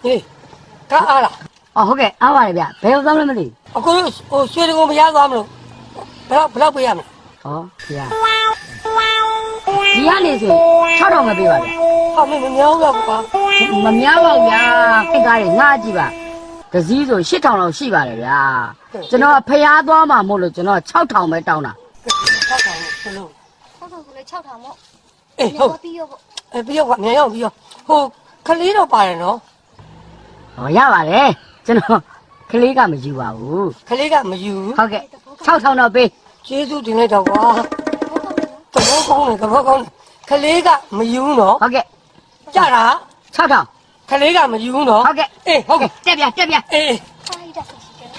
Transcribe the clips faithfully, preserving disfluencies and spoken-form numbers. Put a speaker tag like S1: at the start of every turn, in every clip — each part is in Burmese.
S1: ဟေးကားအားလား
S2: အော်ဟုတ်ကဲ့အားပါတယ်ဗျဘယ်ရောက်သွားမလဲမသိ
S1: အခုဟိုရွှေတကုံမရသွားမလို့ဘယ်တော့ဘယ်တော့ပေးရမလဲ
S2: ဟောဗျာဒီကနေဆို၆ထောင်ပဲပေးပါဗျ
S1: ဟာမင်းမများဘူးလားကွာ
S2: မများပါဘူးဗျာခိတ်ကားတွေငှားကြည့်ပါတစည်းဆို၈ထောင်လောက်ရှိပါတယ်ဗျာကျွန်တော်ဖျားသွားမှာမို့လို့ကျွန်တော်၆ထောင်ပဲတောင်းတာ
S1: ၆ထောင်ဘလို့
S3: ဟုတ်ဟုတ်လေ၆ထောင်ပေါ့
S1: အေးဟုတ်
S3: ပြီးရောပေါ့
S1: အဲပြီးတော့ကွာမြန်ရောက်ပြီးတော့ဟိုခလေးတော့ပါတယ်နော်
S2: ဟောရပါတယ်ကျွန်တော်ကလေးကမယူပါဘူး
S1: ခလေးကမယူ
S2: ဟုတ်ကဲ့၆ထောင်တော့ပေး
S1: ကျေးဇူးတင်လိုက်တော့ကွာသဘောကောင်းတယ်သဘောကောင်းတယ်ခလေးကမယူနော်
S2: ဟုတ်ကဲ့
S1: ကြတာ
S2: ၆ထောင်
S1: ခလေးကမယူနော်
S2: ဟုတ်ကဲ့
S1: အေးဟုတ်ကဲ့
S2: တက်ပြန်တက်ပြန်
S1: အေး
S3: ဖိုင်တာဆက်ရှိတယ်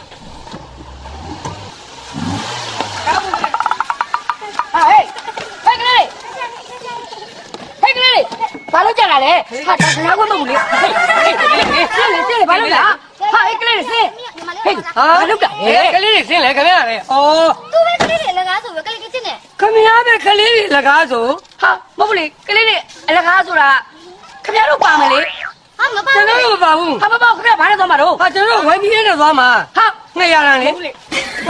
S2: ဟာဟေးဟေးကလေးဟေးကလေးဘာလို့ကြတာလဲဟာဒါကလည်းဝတ်မဟုတ်ဘူးလေဟေးဟေးဟေးဟေးဆင်းလေဆင်းလေဘာလို့လဲဟာဟေးကလေးဆင်း
S3: ညီမလေး
S2: ဟေး
S3: ဟာ
S2: ဟာလုပ်တာ
S1: ဟေးကလေးတွေဆင်းလေခမရလေဩ
S3: သူပဲကလေးတွေလကားဆိုပဲကလေးကချင်းနေ
S1: ခမရပဲခလေးတွေလကားဆို
S2: ဟာမဟုတ်ဘူးလေကလေးတွေအလကားဆိုတာခင်ဗျားတို့ပါမယ်လေ
S3: ဟာမပါ
S1: ကျွန်
S3: ဘူး
S1: တော်တို့မပါဘူး
S2: ဟာမပေါ့ခင်ဗျားဘာနဲ့သွားမှာတော့
S1: ဟာကျွန်တော်ဝိုင်းပြီးနေသွားမှာ
S2: ဟာ
S1: ငှက်ရတာလေ
S2: ဟုတ်လေ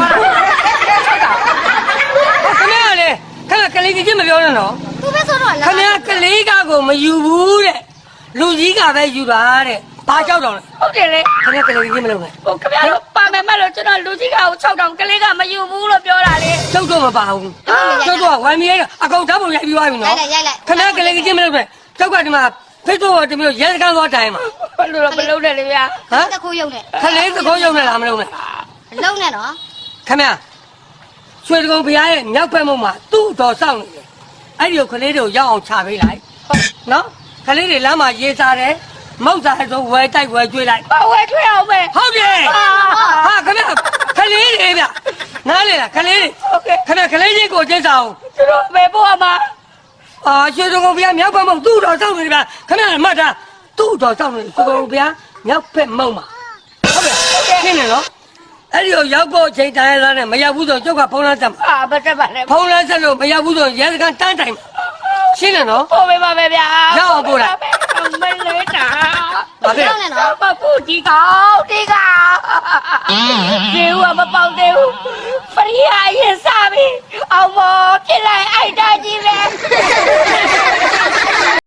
S1: ခမရလေခမကလေးကြီးမပြောနဲ့နော်
S3: သူပဲဆိုတော့လ
S1: ခ
S3: ကား
S1: မရကလေးကကိုမယူဘူးတဲ့လူကြီးကပဲယူတာတဲ့ဘာကြောက်တော့လဲ
S2: ဟုတ်တယ်လေ
S1: ခမရကလေးကြီးမလုပ်နဲ့
S2: ဟိုခင်ဗျားတို့ပါမယ်မလို့ကျွန်တော်လူကြီးကကို၆တောင်ကလေးကမယူဘူးလို့ပြောတာလေ
S1: ကျုပ်တော့မပါဘူးကျုပ်တော့ဝိုင်းပြီးအကောင်ဓာတ်ပုံရိုက်ပြီးသွားပြီ
S3: ရို
S1: နော်
S3: က်လိုက်ရိုက်လိုက်
S1: ခမရကလေးကြီးမလုပ်နဲ့ကျုပ်ကဒီမှာဖိတ်တော့တမျိုးရဲစခန်းသွားတိုင်မှာ
S2: ဘယ်လိုတော့မလုပ်နဲ့လေဗျာ
S1: ဟမ်
S3: တခုရုံနဲ့
S1: ခလေးသကောရုံနဲ့လားမလုပ်နဲ့
S3: လုံးနဲ့နော်
S1: ခမရရွှေတကုံဘုရားရဲ့မြောက်ဘက်မုံမှာသူ့တော်စောင့်နေတယ်အဲ့ဒီကိုခလေးတွေကိုရောက်အောင်ချပေးလိုက်နော်ခလေးတွေလမ်းမှာရေးစားတယ်မောက်စားဆိုဝဲတိုက်ဝဲကျွေးလိုက်
S2: ပါဝဲထွေးအောင်ပဲ
S1: ဟုတ်တယ်ဟာခမရခလေးတွေဗျနားလေလားခလေးတွေ
S2: ဟုတ်ကဲ့
S1: ခမရခလေးချင်းကိုကျင်းစာအောင်
S2: သူတို့ပဲပို့ရမှာ
S1: အာရွှေတကုံဘုရားမြောက်ဘက်မုံသူ့တော်စောင့်နေတယ်ဗျခမရမှတ်တာသူ့တော်စောင့်နေရွှေတကုံဘုရားမြောက်ဘက်မုံမှာဟုတ်ကဲ့ရှင်းနေနော်အဲ့ဒီကိုရောက်ဖို့အချိန်တိုင်းရသားနဲ့မရောက်ဘူးဆိုကျုပ်ကဖုန်းလမ်းဆက်မှာ
S2: အာမတက်ပါနဲ့
S1: ဖုန်းလမ်းဆက်လို့မရောက်ဘူးဆိုရဲစခန်းတန်းတိုင်မှာရှင်းတယ်နော်
S2: ပို့ပေးပါမယ်ဗျာ
S1: ရောက်အောင်ပို့လိုက်
S2: မလေးတာ
S1: ဘာဖြစ်
S3: လုံးနဲ့နော်
S2: မပူဒီကောင်ဒီကောင်ဒီဦးကမပေါက်သေးဘူးဖရီးအရင်စားပြီအောင်မဖြစ်လိုက်အိုက်တာကြီးပဲ